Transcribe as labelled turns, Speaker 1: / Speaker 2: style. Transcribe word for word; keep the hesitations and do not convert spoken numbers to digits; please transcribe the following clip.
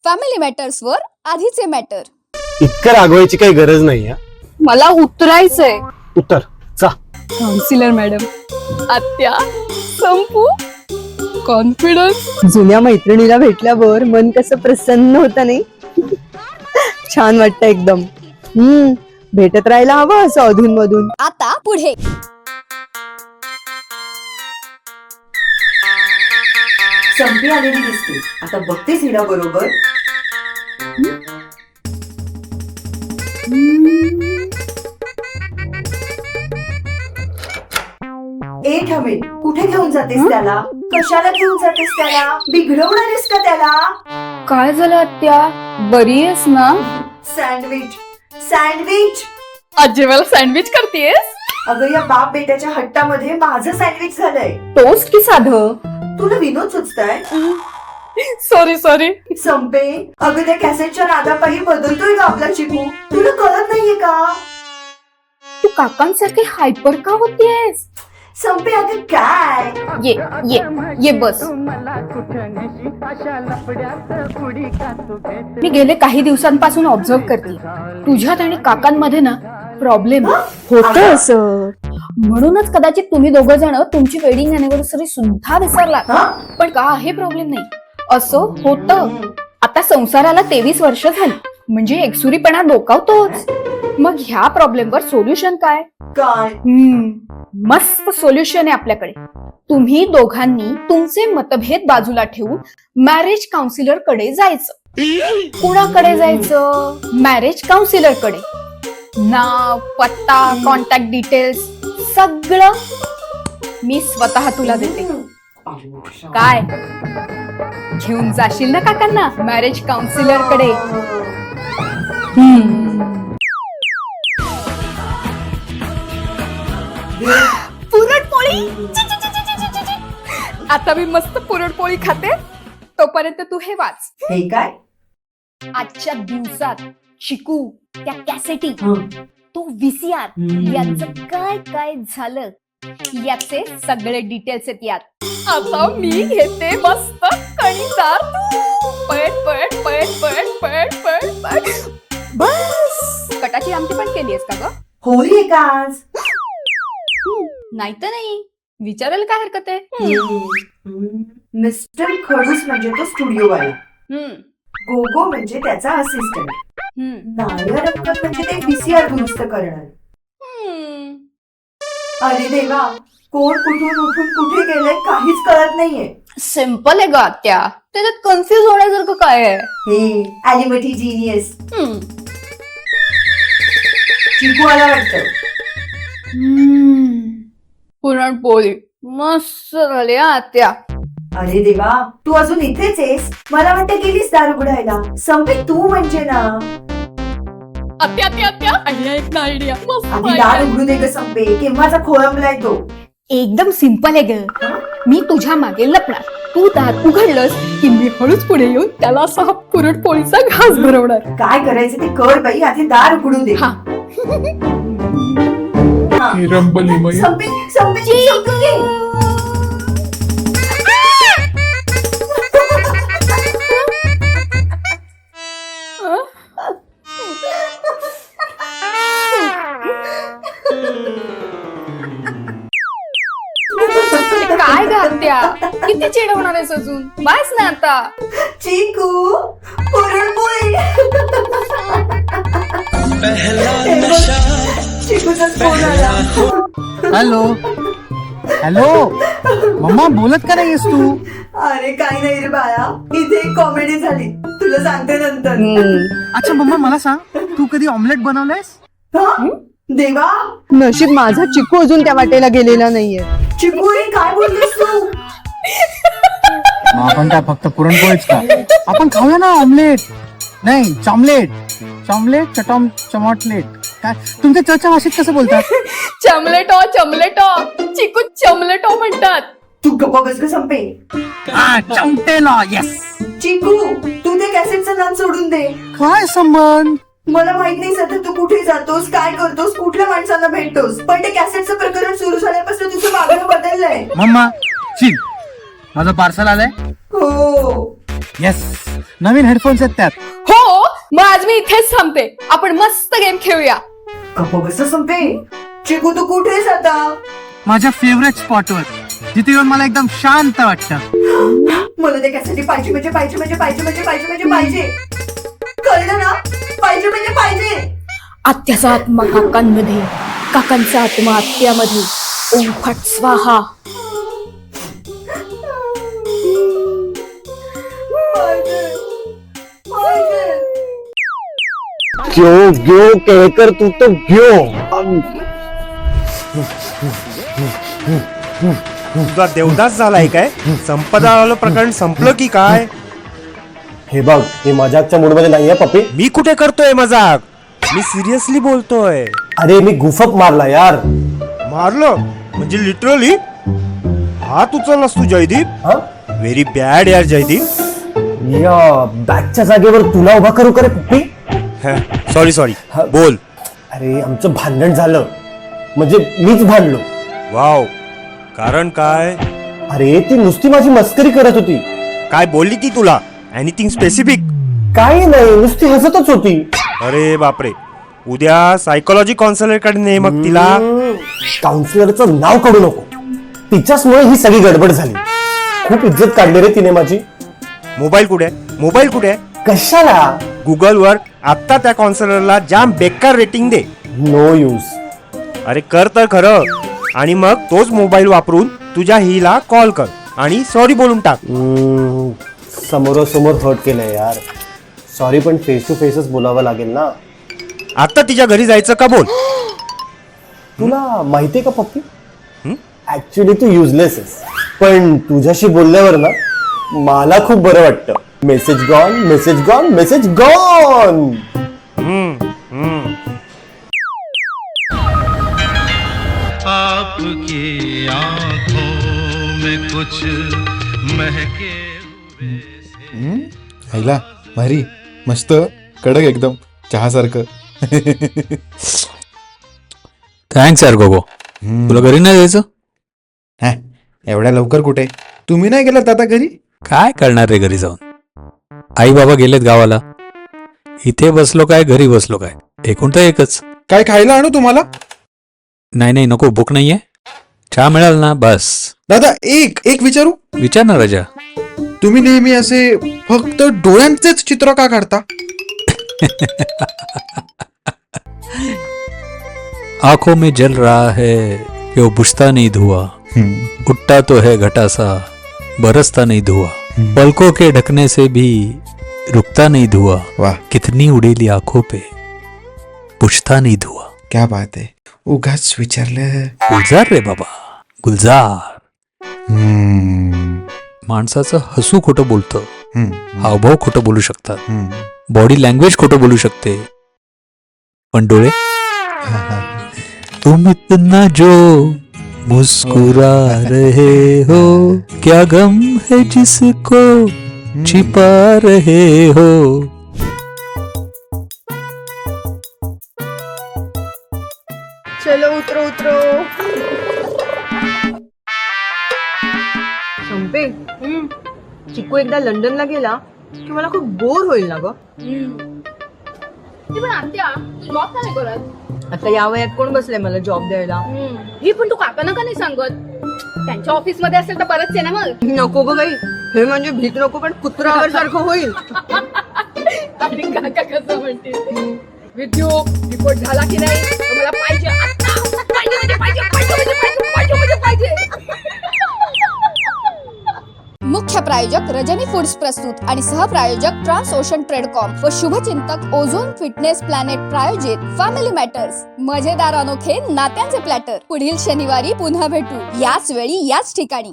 Speaker 1: Family matters वर आधीचे matter.
Speaker 2: इतकं रागवायची काही गरज नाही.
Speaker 1: मला उतरायचंय.
Speaker 2: उत्तर चा
Speaker 1: काउन्सिलर मॅडम, आत्या, संपू, कॉन्फिडन्स.
Speaker 3: जुन्या मैत्रिणीला भेटल्यावर मन कसं प्रसन्न होतं नाही. छान वाटतं एकदम. हम्म भेटत राहायला हवं असं अधून मधून.
Speaker 1: आता पुढे
Speaker 4: संपी आलेली दिसते. आता बघतेस हिला बरोबर. ए ठमे, कुठे घेऊन जातेस त्याला? कशाला घेऊन जातेस त्याला? बिघडवणारेस का त्याला?
Speaker 1: काय झालं आत्या, बरी आहेस ना?
Speaker 4: सँडविच सँडविच
Speaker 1: आज जेवायला सँडविच करतेस?
Speaker 4: अगं या बाप बेट्याच्या हट्टामध्ये माझं सँडविच झालंय.
Speaker 1: टोस्ट की साधं?
Speaker 4: तुला विनोद सुचताय?
Speaker 1: Sorry sorry.
Speaker 4: संपे, अगं त्या कॅसेटच्या नादापायी बदलतोय का आपला चिकू? तुला कळत नाहीये का?
Speaker 1: तू काकांसारखी हायपर का होतीयस?
Speaker 4: संपे अगं काय?
Speaker 1: ये ये ये बस. मी गेले काही दिवसांपासून ऑब्झर्व करते, तुझ्यात आणि काकांमध्ये ना प्रॉब्लेम
Speaker 3: होत असं.
Speaker 1: म्हणूनच कदाचित तुम्ही दोघ जण तुमची वेडिंग अॅनिव्हर्सरी सुद्धा विसरला.
Speaker 4: हा?
Speaker 1: पण का हे प्रॉब्लेम नाही, असं होतं. आता संसाराला तेवीस वर्ष झाली म्हणजे एकसुरीपणा डोकावतोच. मग ह्या प्रॉब्लेमवर सोल्युशन काय?
Speaker 4: काय?
Speaker 1: हम्म मस्त सोल्युशन आहे आपल्याकडे. तुम्ही दोघांनी तुमचे मतभेद बाजूला ठेवून मॅरेज काउन्सिलर कडे जायचं. कुणाकडे जायचं? मॅरेज काउन्सिलर कडे. नाव, पत्ता, कॉन्टॅक्ट डिटेल्स सगळं मी स्वतः तुला देते. काय घेऊन जाशील ना काकांना मॅरेज काउन्सिलर कडे? पुरणपोळी. आता मी मस्त पुरणपोळी खाते, तोपर्यंत तू हे वाच.
Speaker 4: हे काय?
Speaker 1: आजच्या दिवसात चिकू, त्या कॅसेटी,
Speaker 4: हं.
Speaker 1: तो व्हीसीआर
Speaker 4: हम्म.
Speaker 1: यांचं काय काय झालं याचे सगळे डिटेल्स आहेत यात. आता मी घेते मस्त कणीदार तूप. पळट पळट पळट पळट पळट पळट पळट. बस. कटाची आमटी पण केलीयस का ग?
Speaker 4: होळी आहे का आज?
Speaker 1: नाही तर नाही, विचारायला काय हरकत आहे?
Speaker 4: मिस्टर खडूस म्हणजे तो स्टुडिओ वाला.
Speaker 1: हम्म,
Speaker 4: गोगो म्हणजे त्याचा असिस्टंट.
Speaker 1: हम्म,
Speaker 4: नायर रक्कत म्हणजे ते पीसीआर दुरुस्त करणार.
Speaker 1: हम्म.
Speaker 4: अरे देवा, कोण कुठून उठून कुठे गेलंय काहीच कळत नाहीये.
Speaker 1: सिंपल आहे ग आत्या, त्याच्यात कन्फ्युज होण्यासारखं काय आहे?
Speaker 4: हे ॲलिमटी जीनियस.
Speaker 1: हम्म.
Speaker 4: चिकू आला वाटतं.
Speaker 1: पुरणपोळी मस्त झाली हा आत्या.
Speaker 4: अरे देवा, तू अजून इथेच आहेस? मला वाटतं गेलीस दार उघडायला. संपे तू म्हणजे ना.
Speaker 1: आत्या आत्या आत्या आयडिया, एक ना आयडिया मस्त
Speaker 4: आधी
Speaker 1: idea.
Speaker 4: दार उघडू दे ग संपे, केव्हाचा खोळंबलाय तो.
Speaker 1: एकदम सिंपल आहे ग. मी तुझ्या मागे लपणार, तू दार उघडलंस की मी हळूच पुढे येऊन त्याला असा हा पुरणपोळीचा घास भरवणार.
Speaker 4: काय करायचं ते कर बाई, आधी दार उघडू दे.
Speaker 1: हा.
Speaker 4: हा.
Speaker 5: रंबली
Speaker 4: संपे संपे संपे.
Speaker 1: काय ग आत्या, किती चिडवणार आहेस अजून? बस ना आता.
Speaker 4: चिकू पुरणपोळी. चिकूचाच फोन आला.
Speaker 5: हॅलो हॅलो मम्मा, बोलत का नाहीयेस तू?
Speaker 4: अरे काही नाही रे बाळा, इथे एक कॉमेडी झाली, तुला सांगते नंतर.
Speaker 5: अच्छा मम्मा, मला सांग, तू कधी ऑमलेट बनवलंयस?
Speaker 4: हा? देवा,
Speaker 3: नशीब माझा चिकू अजून त्या वाटेला गेलेला नाहीये.
Speaker 4: चिकू हे काय बोलतेस तू?
Speaker 5: मग आपण काय फक्त पुरणपोळीच का? आपण खाऊया ना ऑमलेट. नाही, चॉमलेट. चॉमलेट चटॉम चमॉटलेट. काय तुमच्या चर्चा भाषेत कसं बोलतात?
Speaker 1: चमलेटो चमलेटो, चिकू चमलेटो म्हणतात.
Speaker 4: तू गप्पा बस ग संपे.
Speaker 5: हा, चमटेला. येस.
Speaker 4: चिकू, तू ते कॅसेटचं नाम सोडून दे.
Speaker 5: काय संबंध?
Speaker 4: मला माहित नाही सध्या तू कुठे जातोस, काय करतोस, कुठल्या माणसांना भेटतोस, पण ते कॅसेटचं प्रकरण सुरू झाल्यापासून तुझं वागणं बदललंय.
Speaker 5: मम्मा, चिल, माझं पार्सल आलंय.
Speaker 4: हो.
Speaker 5: येस, नवीन हेडफोन्स आहेत त्यात.
Speaker 1: हो मग आज मी इथेच थांबते, आपण मस्त गेम खेळूया.
Speaker 4: गप्प बस संपे. चिकू तू कुठेस आता?
Speaker 5: माझ्या फेवरेट स्पॉटवर, जिथे येऊन मला एकदम शांत वाटतं.
Speaker 4: मला ते कॅसेट पाहिजे म्हणजे पाहिजे म्हणजे पाहिजे म्हणजे पाहिजे म्हणजे पाहिजे. कळलं ना? पाहिजे म्हणजे पाहिजे.
Speaker 1: आत्याचा आत्मा काकांमध्ये, काकांचा आत्मा आत्यामध्ये. ओम फट स्वाहा.
Speaker 4: पाहिजे. पाहिजे.
Speaker 2: क्यों क्यों कहकर तू तो क्यों.
Speaker 6: तुझा देवदास झालाय काय? संपदा आलं प्रकरण संपलं की काय?
Speaker 2: हे बघ, हे मजाकच्या मूड मध्ये नाहीये पप्पी.
Speaker 6: मी कुठे करतोय मजाक? मी सिरियसली बोलतोय.
Speaker 2: अरे मी गुफप मारला यार.
Speaker 6: मारलं म्हणजे लिटरली? हात उचललास तू जयदीप?
Speaker 2: हा?
Speaker 6: व्हेरी बॅड यार जयदीप.
Speaker 2: या बॅगच्या जागेवर तुला उभा करू करे पप्पी.
Speaker 6: सॉरी सॉरी, बोल.
Speaker 2: अरे आमचं भांडण झालं, म्हणजे मीच भांडलो.
Speaker 6: वाव, कारण काय?
Speaker 2: अरे ती नुसती माझी मस्करी करत होती.
Speaker 6: काय बोलली ती तुला? Anything specific?
Speaker 2: काही नाही, नुसती हसतच होती.
Speaker 6: अरे बापरे, उद्या सायकोलॉजी काउन्सिलर कडे ने मग तिला.
Speaker 2: काउन्सिलरचं नाव काढू नको, तिच्याचमुळे ही सगळी गडबड झाली. खूप इज्जत काढली रे तिने माझी.
Speaker 6: मोबाईल कुठे? मोबाईल कुठे?
Speaker 2: कशाला?
Speaker 6: गुगल वर आता त्या काउन्सिलरला जाम बेकार रेटिंग दे.
Speaker 2: No use.
Speaker 6: अरे कर तर खरं, आणि मग तोच मोबाईल वापरून तुझ्या हिला कॉल कर आणि सॉरी बोलून टाक.
Speaker 2: समोरासमोर हर्ट केलंय यार. सॉरी, पण फेस टू फेसच बोलावं लागेल ना.
Speaker 6: आता तिच्या घरी जायचं का बोल.
Speaker 2: तुला माहितीये का पप्पी, ऍक्च्युली तू युजलेस आहेस, पण तुझ्याशी बोलल्यावर ना मला खूप बरं वाटतं. Message gone, message gone, message gone.
Speaker 6: Hmm hmm
Speaker 7: आपकी आंखों में कुछ महके
Speaker 8: आईला भारी, मस्त कडक एकदम चहासारखं.
Speaker 9: थँक्स यार गोगो. तुला घरी नाही जायचं?
Speaker 8: हा, एवढ्या लवकर कुठे? तुम्ही नाही गेलात आता घरी?
Speaker 9: काय करणार रे घरी जाऊन? आई बाबा गेलेत गावाला. इथे बसलो काय, घरी बसलो काय, एकूण तर एकच.
Speaker 8: काय खायला आणू तुम्हाला?
Speaker 9: नाही नाही नको, भूक नाहीये. चहा मिळाल ना बस.
Speaker 8: दादा एक एक विचारू?
Speaker 9: विचार ना राजा.
Speaker 8: तुम्ही नेहमी असे फक्त डोळ्यांचेच चित्र का काढता?
Speaker 9: आंखों में जल रहा है कि वो बुझता नहीं धुआं, उठता तो है घटा सा बरसता नहीं धुआं, पलकों के ढकने से भी रुकता नहीं धुआं,
Speaker 8: वाह,
Speaker 9: कितनी उड़ेली आंखों पे बुझता नहीं धुआं.
Speaker 8: क्या बात आहे. उगाच विचारलं.
Speaker 9: गुलजार रे बाबा, गुलजार.
Speaker 8: हम्म,
Speaker 9: माणसाचं हसू खोटं बोलतं,
Speaker 8: हम्म,
Speaker 9: हावभाव खोटं बोलू शकतात,
Speaker 8: हम्म.
Speaker 9: बॉडी लँग्वेज खोटं बोलू शकते, पण डोळे. तुम इतना जो मुस्कुरा रहे हो, क्या गम है जिसको छिपा रहे हो.
Speaker 3: चलो उतरो उतरो. संपे, चिकू एकदा लंडनला गेला की मला खूप बोर होईल ना ग.
Speaker 1: पण आत्या तू जॉब का नाही करत?
Speaker 3: आता या वयात कोण बसलंय मला जॉब द्यायला?
Speaker 1: ही पण तू काकांना का नाही सांगत? त्यांच्या ऑफिस मध्ये असेल तर बरंच आहे ना मग.
Speaker 3: नको ग बाई, हे म्हणजे भीक नको पण कुत्रावर सारखं होईल.
Speaker 1: आणि काका कसं म्हणते, विद्यू रिपोर्ट झाला की नाही? मला पाहिजे आता. पाहिजे म्हणजे पाहिजे, पाहिजे म्हणजे पाहिजे, पाहिजे म्हणजे पाहिजे.
Speaker 10: मुख्य प्रायोजक रजनी फूड्स प्रस्तुत आणि सहप्रायोजक ट्रान्स ओशन ट्रेडकॉम व शुभचिंतक ओझोन फिटनेस प्लॅनेट प्रायोजित फॅमिली मॅटर्स. मजेदार अनोखे नात्यांचे प्लॅटर. पुढील शनिवारी पुन्हा भेटू याच वेळी याच ठिकाणी.